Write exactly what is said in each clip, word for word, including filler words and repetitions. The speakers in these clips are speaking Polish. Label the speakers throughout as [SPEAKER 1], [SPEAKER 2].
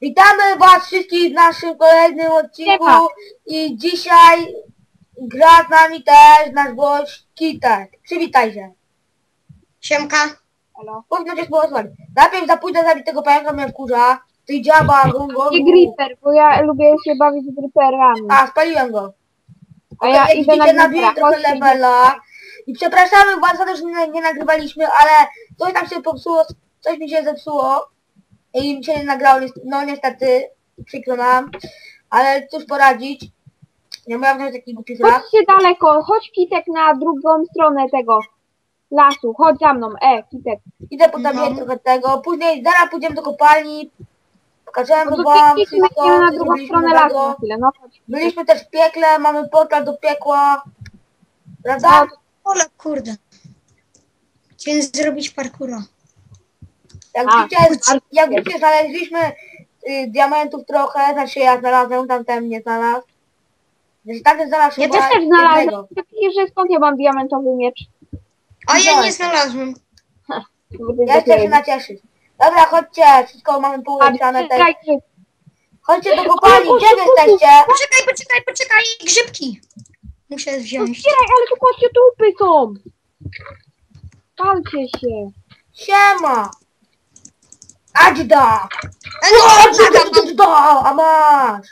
[SPEAKER 1] Witamy was wszystkich w naszym kolejnym odcinku.
[SPEAKER 2] Siema.
[SPEAKER 1] I dzisiaj gra z nami też nasz gość Kitek. Przywitaj się.
[SPEAKER 3] Siemka.
[SPEAKER 2] Halo.
[SPEAKER 1] Powinno cię spowodowali. Najpierw za pójdę zabić tego pająka mnie wkurza. Ty dziaba, gongo.
[SPEAKER 2] Nie Gripper, bo ja lubię się bawić z Gripperami.
[SPEAKER 1] A, spaliłem go.
[SPEAKER 2] A ja
[SPEAKER 1] Jak
[SPEAKER 2] idę na
[SPEAKER 1] widzicie, nabiłem
[SPEAKER 2] Grippera.
[SPEAKER 1] trochę
[SPEAKER 2] Chodźcie,
[SPEAKER 1] levela. I przepraszamy was za to, że nie, nie nagrywaliśmy, ale coś tam się popsuło, coś mi się zepsuło. I mi się nie nagrało, no niestety, przykro nam. Ale cóż poradzić. Nie miałem nawet taki głupi flag.
[SPEAKER 2] Chodźcie daleko, chodź Kitek na drugą stronę tego lasu. Chodź za mną, e, Kitek.
[SPEAKER 1] Idę podawiać
[SPEAKER 3] No.
[SPEAKER 1] trochę tego. Później zaraz pójdziemy do kopalni. Pokażemy
[SPEAKER 2] No to
[SPEAKER 1] wam
[SPEAKER 2] Kitek
[SPEAKER 1] wszystko,
[SPEAKER 2] idziemy na
[SPEAKER 1] co
[SPEAKER 2] drugą
[SPEAKER 1] zrobiliśmy
[SPEAKER 2] stronę lasu
[SPEAKER 1] nowego.
[SPEAKER 2] na chwilę, no chodź.
[SPEAKER 1] Byliśmy też w piekle, mamy portal do piekła. Prawda?
[SPEAKER 2] No,
[SPEAKER 3] Ole kurde. Chciałem zrobić parkoura.
[SPEAKER 1] Jak
[SPEAKER 2] A,
[SPEAKER 1] widzicie,
[SPEAKER 2] kurczę.
[SPEAKER 1] jak widzicie, znaleźliśmy y, diamentów trochę, znaczy ja znalazłem, tamten nie znalazł. Znaczy tamten znalazł
[SPEAKER 3] Ja
[SPEAKER 1] chyba
[SPEAKER 2] też też znalazłem.
[SPEAKER 1] jednego.
[SPEAKER 2] Ty widzisz, że skąd ja mam diamentowy miecz?
[SPEAKER 3] A ja
[SPEAKER 1] Widziałem.
[SPEAKER 3] nie znalazłem.
[SPEAKER 2] Bo ty
[SPEAKER 1] Ja chcę się
[SPEAKER 2] dopiero-
[SPEAKER 1] nacieszyć. Dobra, chodźcie, wszystko mamy
[SPEAKER 2] A,
[SPEAKER 1] poulepszane też.
[SPEAKER 2] czekaj, grzyb.
[SPEAKER 1] Chodźcie do kopalni,
[SPEAKER 2] O,
[SPEAKER 1] gdzie wy
[SPEAKER 2] o, o, o,
[SPEAKER 1] jesteście?
[SPEAKER 3] Poczekaj, poczekaj, poczekaj. Grzybki. Muszę
[SPEAKER 2] No
[SPEAKER 3] wziąć.
[SPEAKER 2] zbieraj, ale tu chodźcie, trupy są. Palcie się.
[SPEAKER 1] Siema! Adźda!
[SPEAKER 3] E, no,
[SPEAKER 1] O,
[SPEAKER 3] poczekaj,
[SPEAKER 1] Adźda! A masz!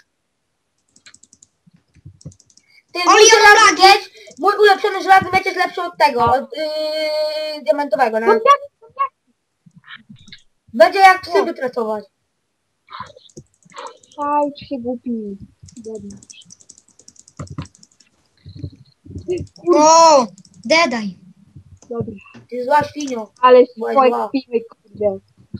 [SPEAKER 1] Ty, mój
[SPEAKER 3] Oli, ja mam
[SPEAKER 1] żelazny
[SPEAKER 3] lagi.
[SPEAKER 1] miecz, mój ulepszony żelazny miecz jest lepszy od tego, od yy, diamentowego,
[SPEAKER 2] No
[SPEAKER 1] no.
[SPEAKER 2] jak, no jak?
[SPEAKER 1] Będzie jak psy wytracować.
[SPEAKER 2] Fajcz się głupi. Biedny.
[SPEAKER 3] O, dedaj.
[SPEAKER 2] Dobra.
[SPEAKER 1] Ty zła świnio.
[SPEAKER 2] Ale się
[SPEAKER 1] Byłaś
[SPEAKER 2] twoje
[SPEAKER 1] zła.
[SPEAKER 2] kpimy, kurde.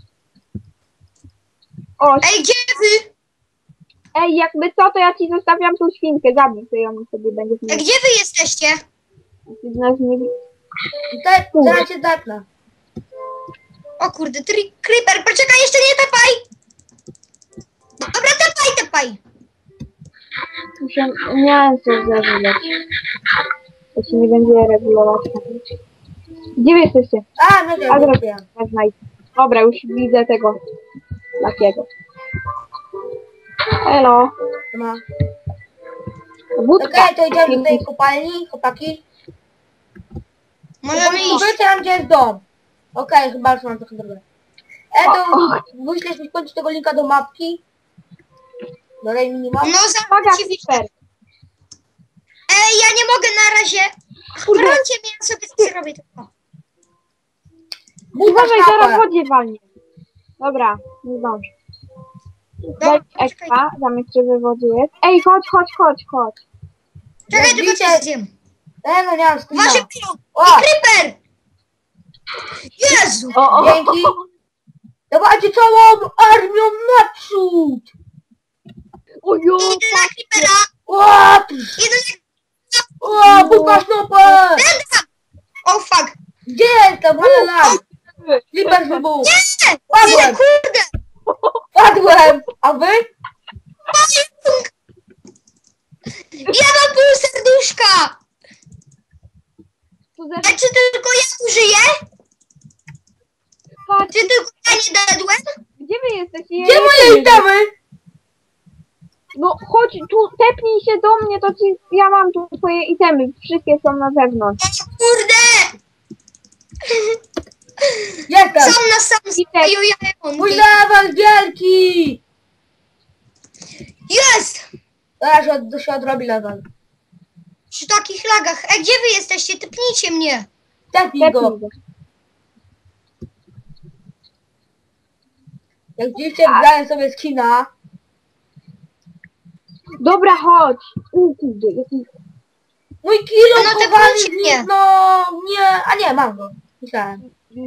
[SPEAKER 2] O,
[SPEAKER 3] Ej, gdzie wy?
[SPEAKER 2] ej, jakby co, to ja ci zostawiam tą świnkę, zabij to ją sobie będzie
[SPEAKER 3] E,
[SPEAKER 2] mieć.
[SPEAKER 3] gdzie wy jesteście?
[SPEAKER 2] Ty z nas nie widzi.
[SPEAKER 1] I te, zaraz cię zepnę.
[SPEAKER 3] O kurde, tri creeper, poczekaj, jeszcze nie tepaj. Dobra, tepaj, tepaj.
[SPEAKER 2] Muszę mięso zażywać. To się nie będzie regulować. Gdzie wy jesteście?
[SPEAKER 1] A, no nie,
[SPEAKER 2] A,
[SPEAKER 1] nie
[SPEAKER 2] dobra.
[SPEAKER 1] wiem.
[SPEAKER 2] Ja znajdę. Dobra, już widzę tego takiego. Elo.
[SPEAKER 1] No.
[SPEAKER 2] Wódka.
[SPEAKER 1] Okej, to idziemy do tej kopalni, chłopaki.
[SPEAKER 3] Możemy iść.
[SPEAKER 1] Powiedzcie nam, gdzie jest dom. Okej, chyba już mam trochę drogę. E, to
[SPEAKER 2] O, o.
[SPEAKER 1] wyślesz mi w końcu tego linka do mapki. Do tej minimap.
[SPEAKER 3] No,
[SPEAKER 2] Uwaga,
[SPEAKER 3] za ci wyślę.
[SPEAKER 2] super.
[SPEAKER 3] Ej, ja nie mogę na razie.
[SPEAKER 2] Kurde.
[SPEAKER 3] Chroncie mnie, ja sobie zrobię tylko.
[SPEAKER 1] Buchasz
[SPEAKER 2] Uważaj, zaraz w
[SPEAKER 1] kapę.
[SPEAKER 2] wodzie walnie. Dobra, nie zdążę.
[SPEAKER 3] Dobra,
[SPEAKER 2] Daj
[SPEAKER 3] czekaj.
[SPEAKER 2] ekwa, zamek czy we wodzie jest. Ej, chodź, chodź, chodź, chodź.
[SPEAKER 3] Czekaj,
[SPEAKER 1] Jak
[SPEAKER 3] tylko
[SPEAKER 1] widzicie-
[SPEAKER 3] coś zjem.
[SPEAKER 1] E, no nie mam skina.
[SPEAKER 3] Wasze piło.
[SPEAKER 1] O,
[SPEAKER 3] Creeper! Jezu!
[SPEAKER 2] O, o,
[SPEAKER 1] dzięki. Dawajcie całą armią naprzód.
[SPEAKER 2] o, jo,
[SPEAKER 3] Idę na Creepera!
[SPEAKER 1] O,
[SPEAKER 3] Idę na...
[SPEAKER 1] o, buchasz nopę.
[SPEAKER 3] Będę! O fuck!
[SPEAKER 1] Gdzie jestem? Ale lag. Flipper wybuch.
[SPEAKER 3] Nie!
[SPEAKER 1] Padłem.
[SPEAKER 3] Nie, kurde!
[SPEAKER 1] Padłem. A wy?
[SPEAKER 3] Pająk! Ja mam pół serduszka!
[SPEAKER 2] tu ze...
[SPEAKER 3] A czy tylko ja użyję?
[SPEAKER 2] Patrz,
[SPEAKER 3] Czy tylko ja nie dadłem?
[SPEAKER 2] gdzie wy jesteście? Ja
[SPEAKER 1] Gdzie
[SPEAKER 2] nie
[SPEAKER 1] moje
[SPEAKER 2] wiem.
[SPEAKER 1] itemy?
[SPEAKER 2] No chodź, tu tepnij się do mnie, to ci, ja mam tu twoje itemy, wszystkie są na zewnątrz.
[SPEAKER 3] O kurde!
[SPEAKER 1] Jestem.
[SPEAKER 3] Sam na sam stoją
[SPEAKER 1] Mój
[SPEAKER 3] jajonki.
[SPEAKER 1] level wielki.
[SPEAKER 3] Jest!
[SPEAKER 1] Zaraz się, od, się odrobi level.
[SPEAKER 3] Przy takich lagach. Ej, gdzie wy jesteście? Typnijcie mnie.
[SPEAKER 1] Tepnij go.
[SPEAKER 2] Tepnij go.
[SPEAKER 1] Jak widzicie, wziąłem sobie skina.
[SPEAKER 2] Dobra, chodź. U, kurde, jaki...
[SPEAKER 1] Mój kilo
[SPEAKER 3] No,
[SPEAKER 1] chowany
[SPEAKER 3] tepnijcie
[SPEAKER 1] w
[SPEAKER 3] mnie.
[SPEAKER 1] nim, no nie, a nie, mam go. Myślałem.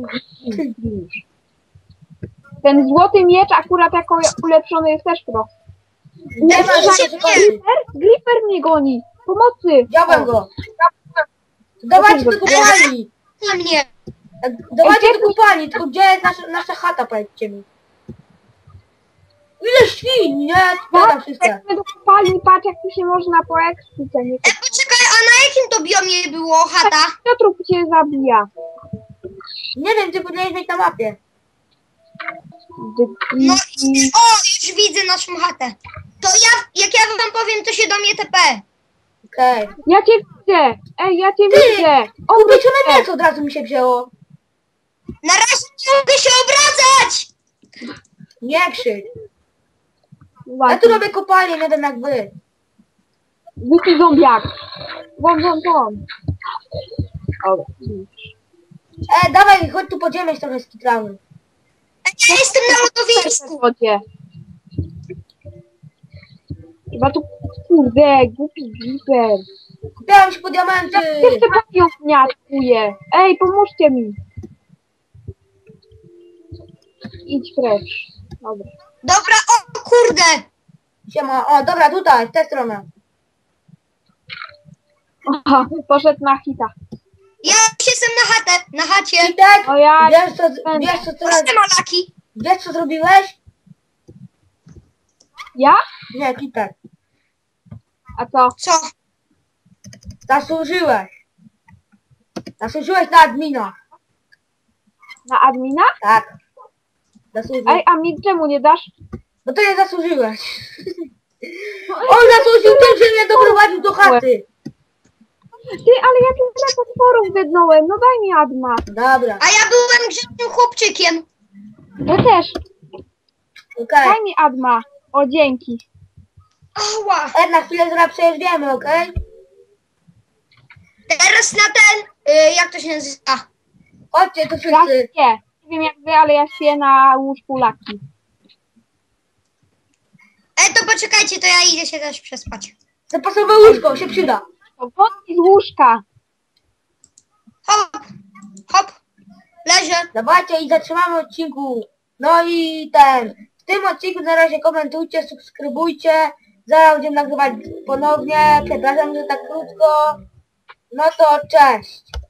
[SPEAKER 2] Ten złoty miecz akurat jako ulepszony jest też pro.
[SPEAKER 1] Nie ma, że się
[SPEAKER 3] nie.
[SPEAKER 1] zobaczy.
[SPEAKER 2] Gripper? Gripper mnie goni! Pomocy!
[SPEAKER 1] Wziąłem go. Dawajcie do kopalni.
[SPEAKER 3] Na mnie.
[SPEAKER 1] Dawajcie do kopalni, tylko gdzie jest nasza, nasza chata, powiedzcie mi. Ile świn, nie? Spadam
[SPEAKER 2] Tak,
[SPEAKER 1] wszystkie.
[SPEAKER 2] jak do kopalni, patrz jak tu się można po ekspice, nie?
[SPEAKER 3] Ej, poczekaj, a na jakim to biomie było chata?
[SPEAKER 2] Kto trup cię zabija?
[SPEAKER 1] Nie wiem, ty powinieneś mieć na mapie.
[SPEAKER 3] No i o, już widzę naszą chatę. To ja, jak ja wam powiem, to się do mnie T P.
[SPEAKER 1] Okej.
[SPEAKER 2] Ja cię widzę! Ej, ja cię
[SPEAKER 1] Ty!
[SPEAKER 2] widzę!
[SPEAKER 1] Upieczone
[SPEAKER 2] Obróć się!
[SPEAKER 1] mięso od razu mi się wzięło.
[SPEAKER 3] Na razie nie mogę się obracać!
[SPEAKER 1] Nie krzycz. Ja tu
[SPEAKER 2] Właśnie.
[SPEAKER 1] robię kopalnię, nie wiem jak wy.
[SPEAKER 2] Głupi zombiak! Won, won, won! Dobra.
[SPEAKER 1] E, dawaj, chodź tu podziemiać trochę z kitramy.
[SPEAKER 3] Ja jestem na
[SPEAKER 2] W
[SPEAKER 3] lodowisku.
[SPEAKER 2] wodzie. Chyba tu, kurde, głupi gliper.
[SPEAKER 1] Kupiałam się po diamenty.
[SPEAKER 2] Jeszcze panią wniatkuje. Ej, pomóżcie mi. Idź precz. Dobra.
[SPEAKER 3] Dobra, o kurde.
[SPEAKER 1] Siema, o dobra, tutaj, w tę stronę.
[SPEAKER 2] Aha, poszedł na hita.
[SPEAKER 3] Ja już jestem na chatę, na chacie.
[SPEAKER 1] Kitek,
[SPEAKER 2] O ja...
[SPEAKER 1] wiesz co, wiesz co, teraz,
[SPEAKER 3] Proszę malaki.
[SPEAKER 1] wiesz co zrobiłeś?
[SPEAKER 2] Ja?
[SPEAKER 1] Nie, Kitek,
[SPEAKER 2] A co?
[SPEAKER 3] Co?
[SPEAKER 1] zasłużyłeś. Zasłużyłeś na admina.
[SPEAKER 2] Na admina?
[SPEAKER 1] Tak. Zasłużyłeś.
[SPEAKER 2] Ej, a mi czemu nie dasz?
[SPEAKER 1] No to nie zasłużyłeś. On zasłużył tym, że mnie doprowadził do chaty.
[SPEAKER 2] Ty, ale ja tu tyle potworów wydnąłem. No daj mi adma.
[SPEAKER 1] Dobra,
[SPEAKER 3] A ja byłem grzecznym chłopczykiem.
[SPEAKER 2] Ja też.
[SPEAKER 1] okej.
[SPEAKER 2] Daj mi adma. O, dzięki.
[SPEAKER 3] Ała.
[SPEAKER 1] E, na chwilę zaraz przejeżdżamy, okej?
[SPEAKER 3] Teraz na ten, y, jak to się nazywa?
[SPEAKER 1] Chodźcie tu
[SPEAKER 2] Ja
[SPEAKER 1] wszyscy.
[SPEAKER 2] śpię. Nie wiem jak wy, ale ja śpię na łóżku laki.
[SPEAKER 3] E, to poczekajcie, to ja idę się też przespać.
[SPEAKER 1] Zapasowe łóżko, się przyda.
[SPEAKER 2] To wodki z łóżka.
[SPEAKER 3] Hop, hop, leżę.
[SPEAKER 1] Dawajcie i zatrzymamy odcinku. No i ten. W tym odcinku na razie komentujcie, subskrybujcie. Zaraz będziemy nagrywać ponownie. Przepraszam, że tak krótko. No to cześć.